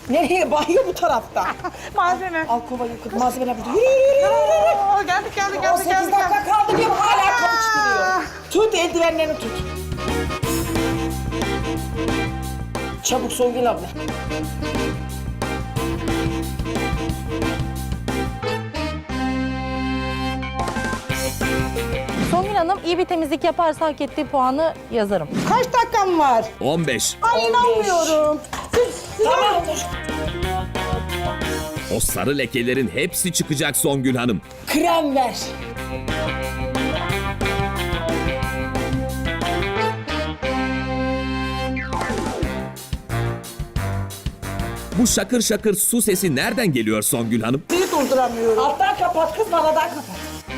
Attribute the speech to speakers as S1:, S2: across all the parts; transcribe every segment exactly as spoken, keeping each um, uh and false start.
S1: Nereye? Banyo bu tarafta.
S2: Malzeme.
S1: Al kovayı, malzemeler burada. Yürü yürü yürü yürü.
S2: Oo, geldik geldik
S1: on
S2: geldik
S1: sekiz
S2: geldik.
S1: dakika kaldı diyorum hala
S2: Aa!
S1: kavuşturuyor. Tut eldivenlerini tut. Çabuk Songül abla.
S3: Songül Hanım iyi bir temizlik yaparsa hak ettiği puanı yazarım.
S2: Kaç dakikam var?
S4: on beş.
S2: Ay inanmıyorum. Siz, siz
S1: Tamamdır.
S4: O sarı lekelerin hepsi çıkacak Songül Hanım.
S1: Krem ver.
S4: Bu şakır şakır su sesi nereden geliyor Songül Hanım?
S2: sizi durduramıyorum.
S1: Alttan kapat kız, bana da kapat.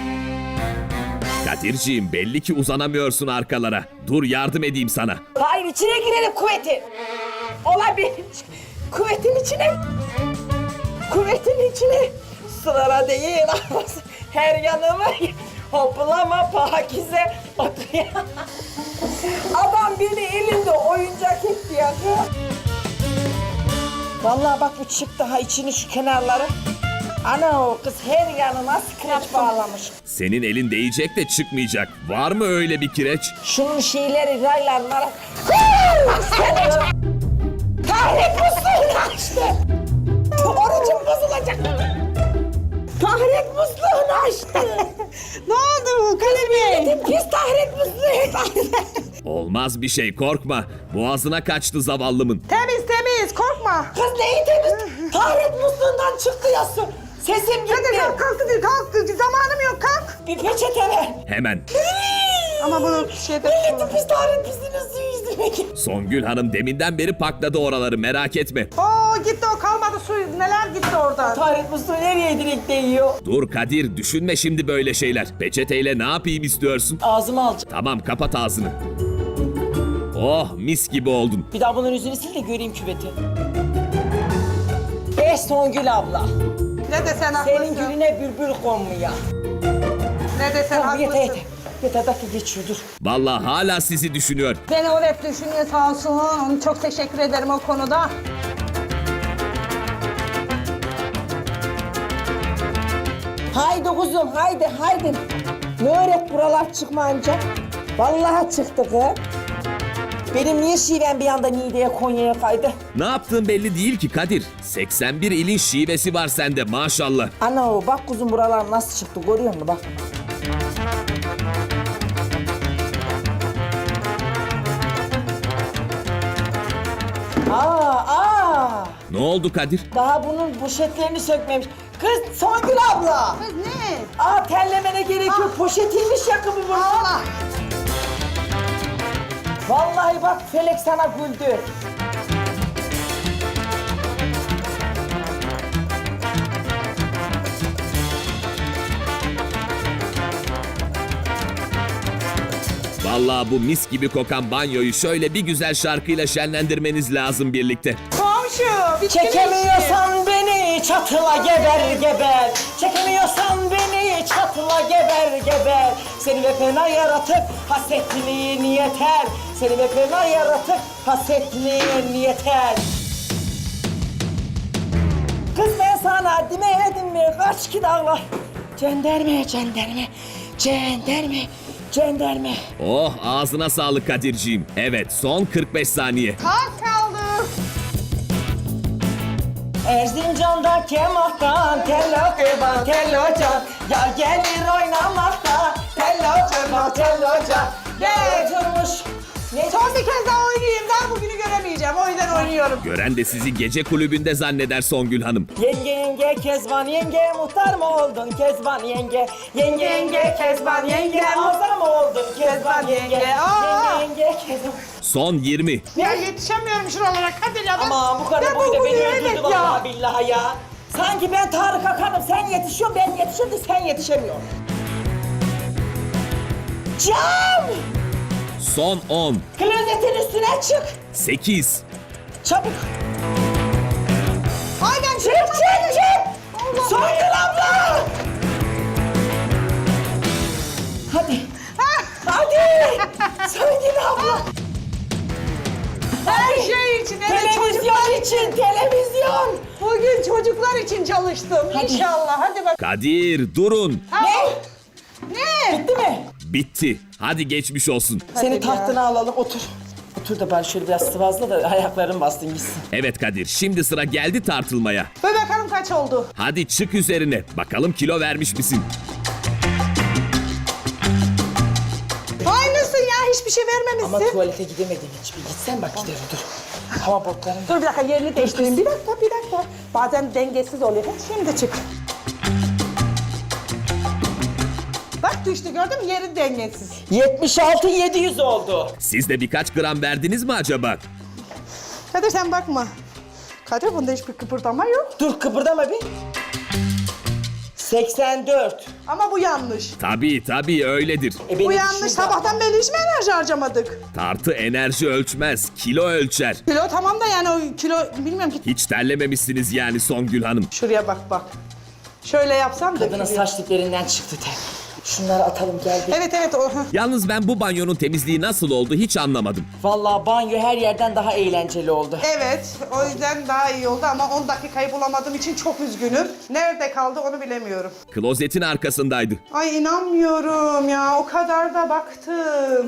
S4: Kadirciğim belli ki uzanamıyorsun arkalara. Dur yardım edeyim sana.
S1: Hayır, içine girelim kuvvetin. Olabilir. Kuvvetin içine. Kuvvetin içine. Sırara değil. Her yanıma hoplama Pakize oturuyor. Adam beni elinde oyuncak etti ya. Vallahi bak bu çık daha içini şu kenarları. Ana o kız her yanına scratch bağlamış.
S4: Senin elin değecek de çıkmayacak. Var mı öyle bir kireç?
S1: Şunun şeyleri raylanlara... Tahrik musluğunu açtı. Orucum bozulacak. Tahrik musluğunu açtı.
S2: Ne oldu Kadir Bey?
S1: Pis tahrik musluğu.
S4: Olmaz bir şey korkma. Boğazına kaçtı zavallımın.
S2: Temiz temiz korkma.
S1: Kız neyi temiz? Tahrik musluğundan çıktı ya su. Sesim
S2: Hadi
S1: gitti.
S2: kalk kalk Kadir kalk. Zamanım yok kalk.
S1: Bir peçete ver.
S4: Hemen.
S2: Ama bunu şeyde...
S1: Milletin pis tahrik pisliğinin suyu yüzüme gitti.
S4: Songül Hanım deminden beri pakladı oraları merak etme.
S2: Oo gitti o kalmadı su. Neler gitti oradan?
S1: Tahrik musluğu nereye direkt değiyor?
S4: Dur Kadir düşünme şimdi böyle şeyler. Peçeteyle ne yapayım istiyorsun?
S1: Ağzıma alacağım.
S4: Tamam kapat ağzını. Oh mis gibi oldun.
S1: Bir daha bunun yüzünü sil de göreyim küveti. Beş Songül abla.
S2: Ne desen haklısın.
S1: Senin gülüne bülbül konmuyor.
S2: Ne desen
S1: Tamam yeter
S2: haklısın.
S1: yeter. Yeter dakika geçiyor dur.
S4: Vallahi hala sizi düşünüyor.
S2: Beni o hep düşünüyor sağ olsun. Çok teşekkür ederim o konuda.
S1: Haydi kuzum haydi haydi. Ne öğret buralar çıkmayınca. Vallahi çıktı kız. Benim niye şivem bir anda Niğde'ye Konya'ya kaydı?
S4: Ne yaptığın belli değil ki Kadir. seksen bir ilin şivesi var sende maşallah.
S1: Ana o bak kuzum buralar nasıl çıktı görüyor musun bak. Aa aa.
S4: Ne oldu Kadir?
S1: Daha bunun poşetlerini sökmemiş. Kız Songül abla.
S2: Kız ne?
S1: Aa terlemene gerek yok. Poşetiymiş yakımı bu.
S2: Allah.
S1: Vallahi bak Felek sana güldü.
S4: Vallahi bu mis gibi kokan banyoyu şöyle bir güzel şarkıyla şenlendirmeniz lazım birlikte.
S2: Komşu. bitti mi işi?
S1: Çekemiyorsan beni çatıla geber geber. Çekemiyorsan beni çatıla geber geber. Seni ve fena yaratıp hasetliğin yeter. Seni ve fena yaratıp hasetliğin yeter. Kız ben sana demedim mi? Kaç ki dağlar. Cenderme, cenderme, cenderme, cenderme.
S4: Oh ağzına sağlık Kadirciğim. Evet son kırk beş saniye.
S2: Az kaldı.
S1: Erzincan'da kemahtan tello kıban tello can. Ya gelir oynamakta tello kıban tello can. Gel oturmuş. Ne
S2: Son bir kez daha oynayayım. Daha bugünü göremeyeceğim. O yüzden oynuyorum.
S4: Gören de sizi gece kulübünde zanneder Songül Hanım.
S1: Yenge yenge Kezban yenge muhtar mı oldun Kezban yenge? Yenge yenge Kezban yenge muhtar mı oldun Kezban yenge?
S2: Aa!
S1: Yenge yenge Kezban.
S4: Son yirmi.
S2: Ya yetişemiyorum şuralara Kadir ya. Ben,
S1: Ama bu kadar
S2: ben
S1: boyda
S2: bu
S1: beni
S2: boyu
S1: öldürdü
S2: evet
S1: vallahi
S2: ya.
S1: billahi ya. Sanki ben Tarık Akan'ım, sen yetişiyorsun, ben yetişiyorum da sen yetişemiyorsun. Cam!
S4: Son on.
S1: Klozetin üstüne çık.
S4: sekiz.
S1: Çabuk.
S2: Ay ben
S1: Çık çık çık.
S2: Allah.
S1: Songül abla. Hadi. Hadi. Songül abla.
S2: Her şey için. Evet,
S1: Televizyon için televizyon.
S2: gün çocuklar için çalıştım. İnşallah. Hadi bak.
S4: Kadir durun.
S2: Ne? Ne?
S1: Bitti mi?
S4: Bitti. Hadi geçmiş olsun.
S1: Seni
S2: ya.
S1: tahtına alalım, otur. Otur da bari şöyle biraz sıvazla da ayakların bastın gitsin.
S4: Evet Kadir, şimdi sıra geldi tartılmaya.
S2: Böyle bakalım kaç oldu.
S4: Hadi çık üzerine. Bakalım kilo vermiş misin?
S2: Aynısın ya, hiçbir şey vermemişsin.
S1: Ama tuvalete gidemedim hiç. Bir gitsen bak giderim dur. Hava botlarım.
S2: Dur bir dakika, yerini değiştireyim. Bir dakika, bir dakika. Bazen dengesiz oluyor. Şimdi çık. Bak düştü, gördün mü? Yeri dengesiz.
S1: yetmiş altı yedi yüz oldu.
S4: Siz de birkaç gram verdiniz mi acaba?
S2: Kadir sen bakma. Kadir bunda hiçbir kıpırdama yok.
S1: Dur kıpırdama bir. seksen dört.
S2: Ama bu yanlış.
S4: Tabii tabii öyledir.
S1: E benim
S2: Bu yanlış.
S1: şurada-
S2: Sabahtan beri hiç mi enerji harcamadık?
S4: Tartı enerji ölçmez, kilo ölçer.
S2: Kilo tamam da yani o kilo bilmiyorum ki.
S4: Hiç terlememişsiniz yani Songül Hanım.
S2: Şuraya bak bak. Şöyle yapsam da.
S1: Kadının saç diplerinden çıktı ter. Şunları atalım gel bir.
S2: Evet evet o.
S4: Yalnız ben bu banyonun temizliği nasıl oldu hiç anlamadım.
S1: Vallahi banyo her yerden daha eğlenceli oldu.
S2: Evet, o yüzden daha iyi oldu ama on dakikayı bulamadığım için çok üzgünüm. Nerede kaldı onu bilemiyorum.
S4: Klozetin arkasındaydı.
S2: Ay inanmıyorum ya, o kadar da baktım.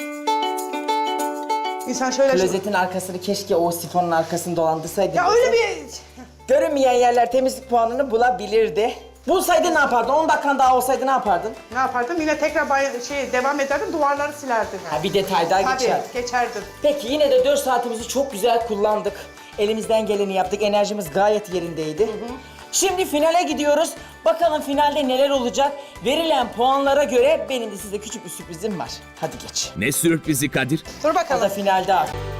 S2: İnsan şöyle...
S1: Klozetin arkasını keşke o sifonun arkasında dolandırsaydı.
S2: Ya öyle bir...
S1: Görünmeyen yerler temizlik puanını bulabilirdi. Bulsaydı ne yapardın? on dakikan daha olsaydı ne yapardın?
S2: Ne yapardım? Yine tekrar bay- şey devam ederdim, duvarları silerdim.
S1: Ha, bir detay daha
S2: Tabii,
S1: geçer.
S2: geçerdim.
S1: Peki yine de dört saatimizi çok güzel kullandık. Elimizden geleni yaptık. Enerjimiz gayet yerindeydi. Şimdi finale gidiyoruz. Bakalım finalde neler olacak? Verilen puanlara göre benim de size küçük bir sürprizim var. Hadi geç.
S4: Ne sürprizi Kadir?
S2: Dur
S1: O da
S2: bakalım.
S1: finalde artık.